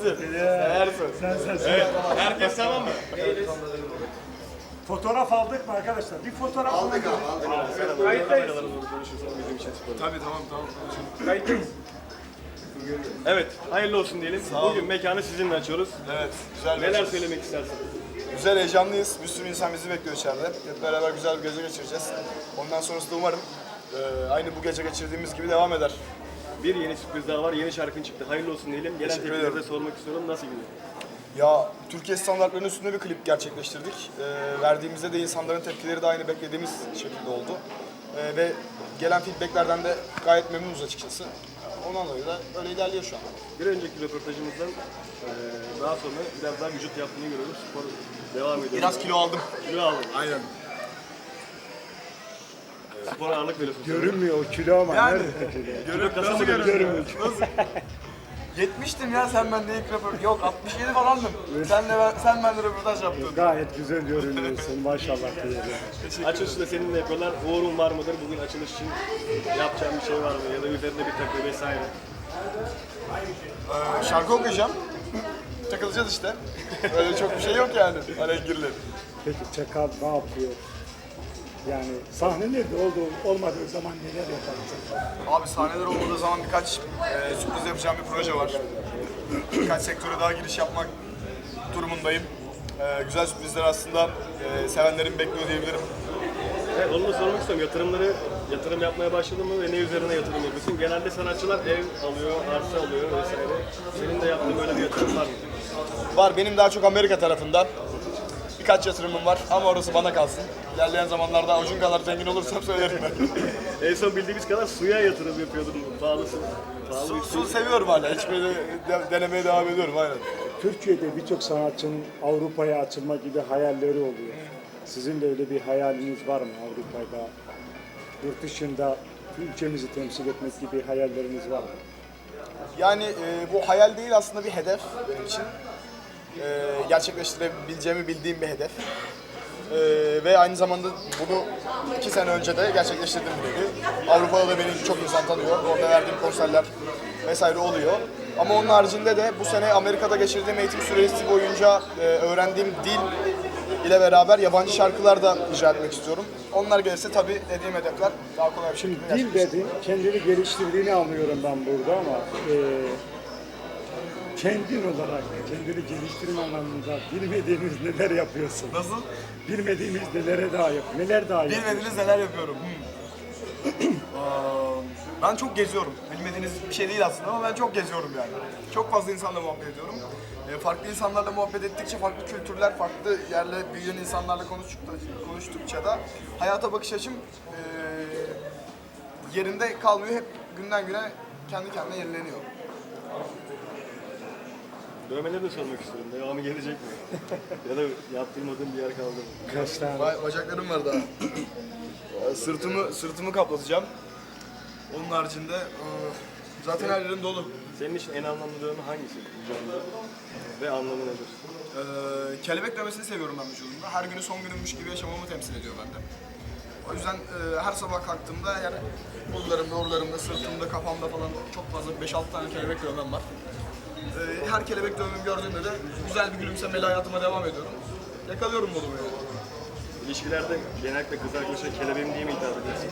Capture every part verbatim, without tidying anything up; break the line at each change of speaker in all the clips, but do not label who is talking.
Seversin. Seversin.
Sen sen sen.
Evet. Herkes tamam mı?
Fotoğraf aldık mı arkadaşlar? Bir fotoğraf
Aldık abi, aldık.
Kayıttayız.
Tabii tamam tamam.
Kayıttayız. Evet, hayırlı olsun diyelim. Bugün mekanı sizinle açıyoruz.
Evet, güzel bir
Neler
açılış.
söylemek istersin?
Güzel, heyecanlıyız. Bir sürü insan bizi bekliyor içeride. Hep beraber güzel bir gece geçireceğiz. Ondan sonrası da umarım e, aynı bu gece geçirdiğimiz gibi devam eder.
Bir yeni sürpriz daha var, yeni şarkın çıktı. Hayırlı olsun diyelim. Gelen
Teşekkür
tepkileri de
ederim.
sormak istiyorum. Nasıl gidiyor?
Ya Türkiye standartlarının üstünde bir klip gerçekleştirdik. E, verdiğimizde de insanların tepkileri de aynı beklediğimiz şekilde oldu. E, ve gelen feedbacklerden de gayet memnunuz açıkçası. Ondan dolayı da öyle ilerliyor şu an.
Bir önceki röportajımızdan eee, daha sonra biraz daha vücut yaptığını görüyoruz. Spor devam ediyor.
Biraz kilo aldım.
kilo aldın.
Aynen.
Spora ağırlık veriyorsun.
Görünmüyor o kilo ama.
Yani.
Nerede?
Görün,
kasa
nasıl
mı
görünüyor? Nasıl? yetmiştim ya sen bende ilk röportaj. Yok altmış yedi falandım. Sen de ben, sen bende röportaj yaptın.
Gayet güzel görünüyorsun maşallah diyelim.
Açılışı da seninle yapıyorlar. Uğur'un var mıdır? Bugün açılış için yapacağım bir şey var mı? Ya da üzerinde bir takı vesaire.
Ee, şarkı okuyacağım. Takılacağız işte. Öyle çok bir şey yok yani. Alengirli.
Peki Çakal ne yapıyor? Yani sahnelerde olduğu olmadığı zaman neler yaparsın?
Abi sahneler olmadığı zaman birkaç e, sürpriz yapacağım bir proje var. Birkaç sektöre daha giriş yapmak durumundayım. E, güzel sürprizler aslında e, sevenlerim bekliyor diyebilirim.
Evet, onu da sormak istiyorum. Yatırımları, yatırım yapmaya başladın mı ve ne üzerine yatırım yapıyorsun? Genelde sanatçılar ev alıyor, arsa alıyor vesaire. Senin de yaptığın böyle bir yatırım var mı?
Var benim daha çok Amerika tarafında. Birkaç yatırımım var ama orası bana kalsın. İlerleyen zamanlarda Acun kadar zengin olursam söylerim ben.
En son bildiğimiz kadar suya yatırım yapıyordun. Pahalısın. Pahalı
Su,
bir
su seviyorum hala. İçmeyi de, de, denemeye devam ediyorum aynen.
Türkiye'de birçok sanatçının Avrupa'ya açılma gibi hayalleri oluyor. Sizin de öyle bir hayaliniz var mı Avrupa'da? Yurt dışında ülkemizi temsil etmek gibi hayalleriniz var mı?
Yani e, bu hayal değil aslında bir hedef benim için. E, gerçekleştirebileceğimi bildiğim bir hedef. E, ve aynı zamanda bunu iki sene önce de gerçekleştirdim dedi. Avrupa'da da beni çok insan tanıyor. Orada verdiğim konserler vesaire oluyor. Ama onun haricinde de bu sene Amerika'da geçirdiğim eğitim süresi boyunca e, öğrendiğim dil ile beraber yabancı şarkılar da icra etmek istiyorum. Onlar gelirse tabii dediğim hedefler daha kolay bir
Şimdi
şekilde
dil dedin, kendini geliştirdiğini anlıyorum ben burada ama e, kendin olarak kendini geliştirme anlamında bilmediğiniz neler yapıyorsun?
Nasıl?
Bilmediğimiz nelere daha yap, neler daha yapıyorsun?
Bilmediğiniz neler yapıyorum. Hmm. Aa, ben çok geziyorum. Bilmediğiniz bir şey değil aslında ama ben çok geziyorum yani. Çok fazla insanla muhabbet ediyorum. E, farklı insanlarla muhabbet ettikçe, farklı kültürler, farklı yerle büyüyen insanlarla konuştukça, konuştukça da hayata bakış açım e, yerinde kalmıyor. Hep günden güne kendi kendine yenileniyor.
Dövmeleri de sormak istiyorum. Devamı gelecek mi? Ya da yaptırmadığın bir yer kaldı mı?
Kaç tane?
Ba- bacaklarım var daha. Ee, sırtımı sırtımı kaplatacağım. Onun haricinde e, zaten her yerim dolu.
Senin için en anlamlı dövme hangisi vücudunda? Ve anlamı nedir?
Ee, kelebek dövmesini seviyorum ben vücudumda. Her günü son günümmüş gibi yaşamamı temsil ediyor bende. O yüzden e, her sabah kalktığımda yani kollarımda, orlarımda, sırtımda, kafamda falan çok fazla beş altı tane kelebek dövmem var. Ee, her kelebek dövmemi gördüğümde de güzel bir gülümsemeyle hayatıma devam ediyorum. Yakalıyorum modumu yani.
İlişkilerde genellikle kız arkadaşa kelebeğim diye mi hitap ediyorsun?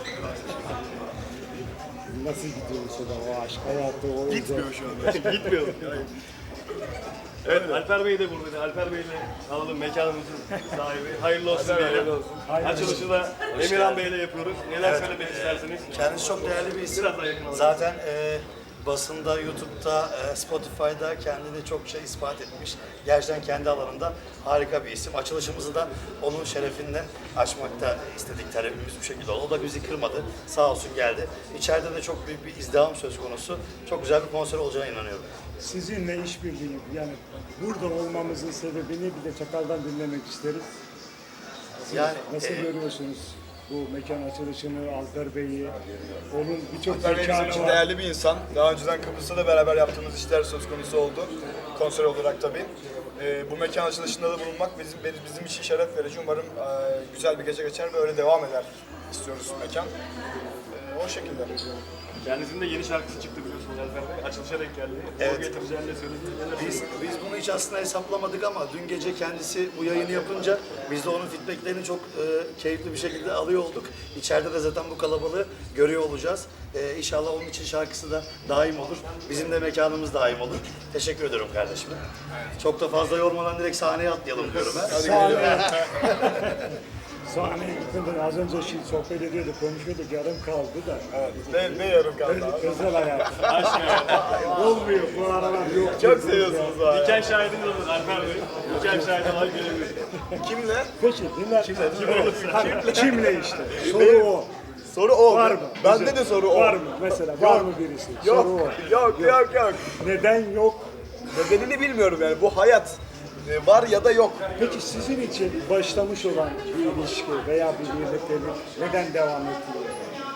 Nasıl gidiyor mesela o aşk hayatı? O
Gitmiyor şu anda.
Gitmiyor. Evet, Alper Bey de burada. Alper Bey'le alalım mekanımızın sahibi. Hayırlı olsun diyelim. Açılışı da Emirhan Bey'le yapıyoruz. Neler söylemek istersiniz?
Kendisi çok değerli bir isim.
Biraz daha yakın alalım.
Zaten e, basında, YouTube'da, e, Spotify'da kendini çok şey ispat etmiş. Gerçekten kendi alanında harika bir isim. Açılışımızı da onun şerefinden açmakta istedik, talebimiz bu şekilde oldu. O da bizi kırmadı. Sağ olsun geldi. İçeride de çok büyük bir izdiham söz konusu. Çok güzel bir konser olacağına inanıyorum.
Sizinle işbirliği yani burada olmamızın sebebini bir de Çakal'dan dinlemek isteriz. Siz
Yani,
nasıl
e,
görüyorsunuz bu mekan açılışını, Alper Bey'i? Onun birçok
Alper Bey bizim
mekanı
için
var.
değerli bir insan. Daha önceden Kıbrıs'ta da beraber yaptığımız işler söz konusu oldu. Konser olarak tabii. Ee, bu mekan açılışında da bulunmak bizim bizim için şeref verici. Umarım e, güzel bir gece geçer ve öyle devam eder istiyoruz mekan. Ee, O şekilde.
Kendisinin de yeni şarkısı çıktı biliyorsunuz Alper Bey. Açılışa denk geldi.
Evet.
O getireceğini de söyledi. Neler
Biz, biz bunu hiç aslında hesaplamadık ama dün gece kendisi bu yayını yapınca biz de onun feedbacklerini çok e, keyifli bir şekilde alıyor olduk. İçeride de zaten bu kalabalığı görüyor olacağız. E, inşallah onun için şarkısı da daim olur. Bizim de mekanımız daim olur. Teşekkür ediyorum kardeşim. Çok da fazla yormadan direkt sahneye atlayalım diyorum ben.
Sahneye, sahneye gitmeden az önce şey sohbet ediyorduk, konuşuyorduk, yarım kaldı da.
Ne, ne yarım kaldı abi?
Özel hayat. Olmuyor, bu aralar yok.
Çok seviyorsunuz abi.
Diken şahidiniz olur Alper Bey. Diken şahidi olarak gelebilir.
Kimle?
Peki, dinler. Kimle? Kimle işte? Soru o.
Soru o.
Var mı?
Bende
Güzel.
de soru o.
Var mı mesela? Var mı birisi?
Yok,
Soru o.
yok, yok, yok.
Neden yok?
Nedenini bilmiyorum yani. Bu hayat e, var ya da yok.
Peki sizin için başlamış olan bir ilişki veya bir birliktelik neden devam etmiyor?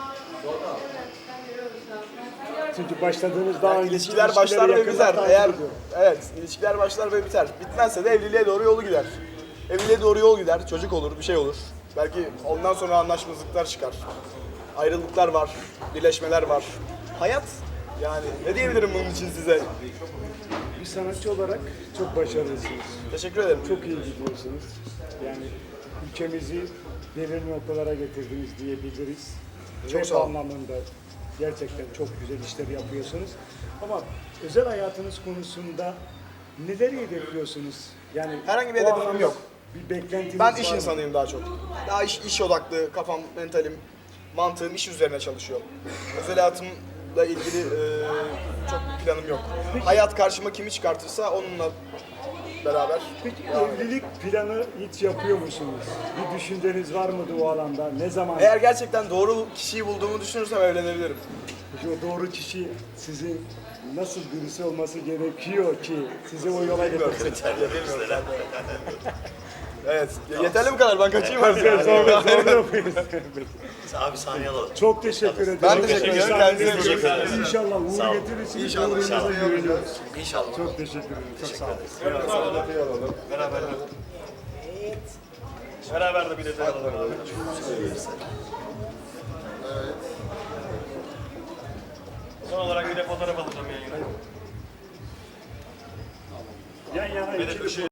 Çünkü başladığınız daha
Yani
önce
ilişkiler başlar ve
yakından
biter.
takip
Eğer
ediyorum.
evet, ilişkiler başlar ve biter. Bitmezse de evliliğe doğru yolu gider. Evliliğe doğru yol gider, çocuk olur, bir şey olur. Belki ondan sonra anlaşmazlıklar çıkar. Ayrılıklar var, birleşmeler var. Hayat yani ne diyebilirim bunun için size?
Bir sanatçı olarak çok başarılısınız.
Teşekkür ederim.
Çok iyi gidiyorsunuz. Yani ülkemizi belirli noktalara getirdiniz diyebiliriz.
Çok
Rap
sağ olun.
anlamında gerçekten çok güzel işler yapıyorsunuz. Ama özel hayatınız konusunda neleri hedefliyorsunuz? Yani
Herhangi bir
o
hedefim
anlamda
yok.
Bir beklentiniz
Ben
var
iş
mı?
insanıyım daha çok. Daha iş, iş odaklı, kafam, mentalim, mantığım iş üzerine çalışıyor. Özel hayatımla ilgili e, çok bir planım yok. Hayat karşıma kimi çıkartırsa onunla beraber.
Peki evlilik planı hiç yapıyor musunuz? Bir düşünceniz var mıydı o alanda? Ne zaman?
Eğer gerçekten doğru kişiyi bulduğumu düşünürsem evlenebilirim.
Peki o doğru kişi sizin nasıl birisi olması gerekiyor ki sizi o yola getirsin?
Evet. Yeterli bu kadar. Ben kaçayım artık.
Sonra, sonra yapıyoruz.
Abi sahneye alalım.
Çok teşekkür ederim.
Ben teşekkür ederim. Kendinize
Kendinize
teşekkür ederim.
İnşallah
Sağ
uğur
olun.
getirirsiniz.
İnşallah,
Uğrunuza
inşallah.
güveniyoruz.
İnşallah.
Çok teşekkür ederim. Çok sağ olun.
Beraber. Beraber de bir detay alalım abi. Son olarak bir de fotoğraf alacağım yayına.
Yan yana
Bir de
iki
ışığı